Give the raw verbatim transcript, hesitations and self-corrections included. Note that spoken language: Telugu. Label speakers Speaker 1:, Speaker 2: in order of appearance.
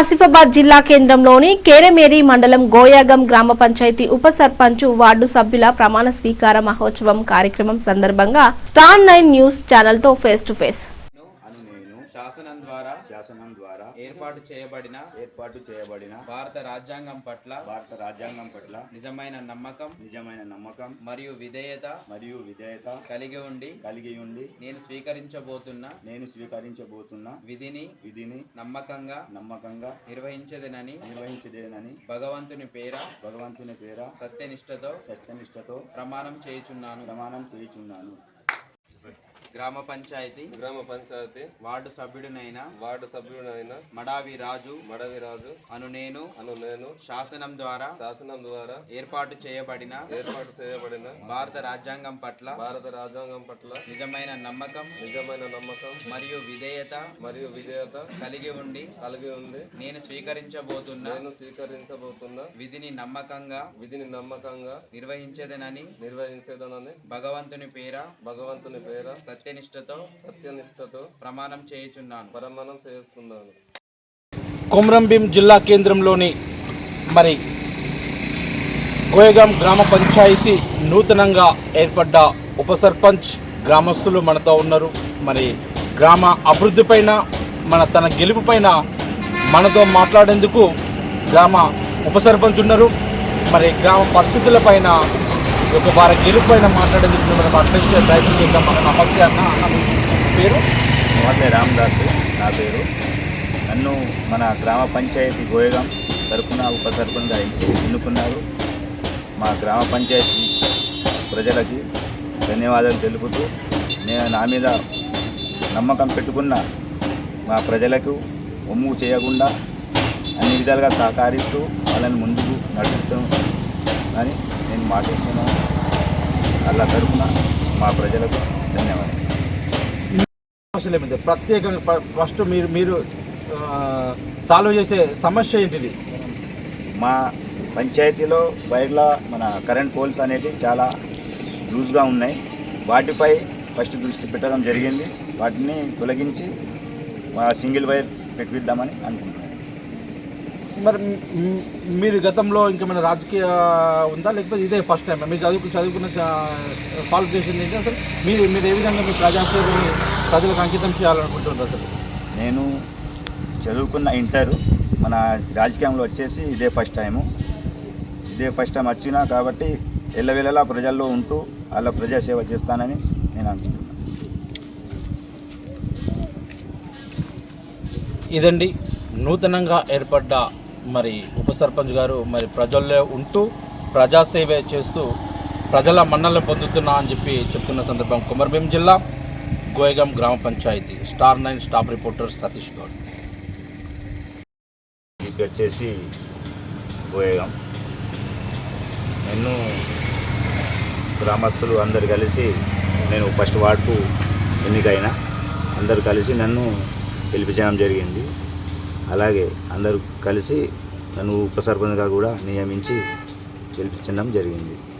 Speaker 1: ఆసిఫాబాద్ జిల్లా కేంద్రంలోని కేరమేరి మండలం గోయాగం గ్రామ పంచాయతీ ఉప సర్పంచ్ వార్డు సభ్యుల ప్రమాణ స్వీకార మహోత్సవం కార్యక్రమం సందర్భంగా స్టార్ నైన్ న్యూస్ ఛానల్ తో ఫేస్ టు ఫేస్
Speaker 2: శాసనం ద్వారా
Speaker 3: శాసనం ద్వారా
Speaker 2: ఏర్పాటు చేయబడిన
Speaker 3: ఏర్పాటు చేయబడిన
Speaker 2: భారత రాజ్యాంగం పట్ల
Speaker 3: భారత రాజ్యాంగం పట్ల
Speaker 2: నిజమైన నమ్మకం
Speaker 3: నిజమైన నమ్మకం
Speaker 2: మరియు విధేయత
Speaker 3: మరియు విధేయత
Speaker 2: కలిగి ఉండి
Speaker 3: కలిగి ఉండి
Speaker 2: నేను స్వీకరించబోతున్న
Speaker 3: నేను స్వీకరించబోతున్న
Speaker 2: విధిని
Speaker 3: విధిని
Speaker 2: నమ్మకంగా
Speaker 3: నమ్మకంగా
Speaker 2: నిర్వహించదనని
Speaker 3: నిర్వహించదేనని
Speaker 2: భగవంతుని పేర
Speaker 3: భగవంతుని పేర
Speaker 2: సత్యనిష్టతో
Speaker 3: సత్యనిష్టతో
Speaker 2: ప్రమాణం చేయుచున్నాను
Speaker 3: ప్రమాణం చేయుచున్నాను.
Speaker 2: గ్రామ పంచాయతీ
Speaker 4: గ్రామ పంచాయతీ
Speaker 2: వార్డు సభ్యుడినైన
Speaker 4: వార్డు సభ్యుడైన
Speaker 2: మడావి రాజు
Speaker 4: మడవి రాజు
Speaker 2: అను నేను
Speaker 4: అను నేను
Speaker 2: శాసనం ద్వారా
Speaker 4: శాసనం ద్వారా
Speaker 2: ఏర్పాటు చేయబడిన
Speaker 4: ఏర్పాటు చేయబడిన
Speaker 2: భారత రాజ్యాంగం పట్ల
Speaker 4: భారత రాజ్యాంగం పట్ల
Speaker 2: నిజమైన నమ్మకం
Speaker 4: నిజమైన నమ్మకం
Speaker 2: మరియు విధేయత
Speaker 4: మరియు విధేయత
Speaker 2: కలిగి ఉండి
Speaker 4: కలిగి ఉంది
Speaker 2: నేను స్వీకరించబోతున్న
Speaker 4: నేను స్వీకరించబోతున్న
Speaker 2: విధిని నమ్మకంగా
Speaker 4: విధిని నమ్మకంగా
Speaker 2: నిర్వహించదనని
Speaker 4: నిర్వహించేదనని
Speaker 2: భగవంతుని పేర
Speaker 4: భగవంతుని పేర
Speaker 2: సత్యనిష్టతో
Speaker 4: సత్యనిష్టతో
Speaker 2: ప్రమాణం చేయుచున్నాను
Speaker 4: ప్రమాణం చేస్తున్నాను.
Speaker 5: కొమరంభీం జిల్లా కేంద్రంలోని మరి గోయగాం గ్రామ పంచాయతీ నూతనంగా ఏర్పడ్డ ఉప సర్పంచ్ గ్రామస్తులు మనతో ఉన్నారు. మరి గ్రామ అభివృద్ధి పైన మన తన గెలుపు పైన మనతో మాట్లాడేందుకు గ్రామ ఉప సర్పంచ్ ఉన్నారు. మరి గ్రామ పరిస్థితుల పైన ఒక వారి గెలుపు పైన మాట్లాడేందుకు మనం అట్లయితే ప్రయత్నం చేద్దాం. మన నమస్తే అన్న. అన్న పేరు
Speaker 3: మోతే రామదాసు నా పేరు. నన్ను మన గ్రామ పంచాయతీ గోయగాం తరపున ఉప సర్పంచ్గా ఎన్నుకున్నారు. మా గ్రామ పంచాయతీ ప్రజలకి ధన్యవాదాలు తెలుపుతూ నేను నా మీద నమ్మకం పెట్టుకున్న మా ప్రజలకు ఒమ్ము చేయకుండా అన్ని విధాలుగా సహకరిస్తూ వాళ్ళని ముందుకు నడిపిస్తాం అని నేను మాటిస్తున్నాను. అలా తరపున మా ప్రజలకు ధన్యవాదాలు.
Speaker 5: సమస్యలు ఏమిటి ప్రత్యేకంగా ఫస్ట్ మీరు మీరు సాల్వ్ చేసే సమస్య ఏంటిది?
Speaker 3: మా పంచాయతీలో వైర్ల మన కరెంట్ పోల్స్ అనేవి చాలా లూజ్గా ఉన్నాయి. వాటిపై ఫస్ట్ దృష్టి పెట్టడం జరిగింది. వాటిని తొలగించి మా సింగిల్ వైర్ పెట్టిద్దామని అనుకుంటున్నాను.
Speaker 5: మరి మీరు గతంలో ఇంకేమైనా రాజకీయ ఉందా, లేకపోతే ఇదే ఫస్ట్ టైం మీరు చదువుకు చదువుకున్న క్వాలిఫికేషన్ ఏంటి? అసలు మీరు మీరు ఏ విధంగా మీ ప్రజాసేవని ప్రజలకు అంకితం చేయాలనుకుంటున్నారు? అసలు
Speaker 3: నేను చదువుకున్న ఇంటర్, మన రాజకీయంలో వచ్చేసి ఇదే ఫస్ట్ టైము. ఇదే ఫస్ట్ టైం వచ్చినా కాబట్టి ఎల్లవేళలా ప్రజల్లో ఉంటూ వాళ్ళ ప్రజాసేవ చేస్తానని నేను అనుకుంటున్నాను.
Speaker 5: ఇదండి నూతనంగా ఏర్పడ్డ మరి ఉప సర్పంచ్ గారు మరి ప్రజల్లో ఉంటూ ప్రజాసేవ చేస్తూ ప్రజల మన్నలను పొందుతున్నా అని చెప్పి చెప్తున్న సందర్భం కొమరంభీం జిల్లా గోయగాం గ్రామ panchayat. Star nine staff reporter Satish Goud.
Speaker 3: ఇది వచ్చేసి గోయగాం. నేను గ్రామస్తులు అందరు కలిసి నేను ఫస్ట్ వార్డుకు ఎన్నికైన అందరు కలిసి నన్ను గెలిపించడం జరిగింది. అలాగే అందరూ కలిసి నన్ను ఉప సర్పంచ్గా కూడా నియమించి గెలిపించడం జరిగింది.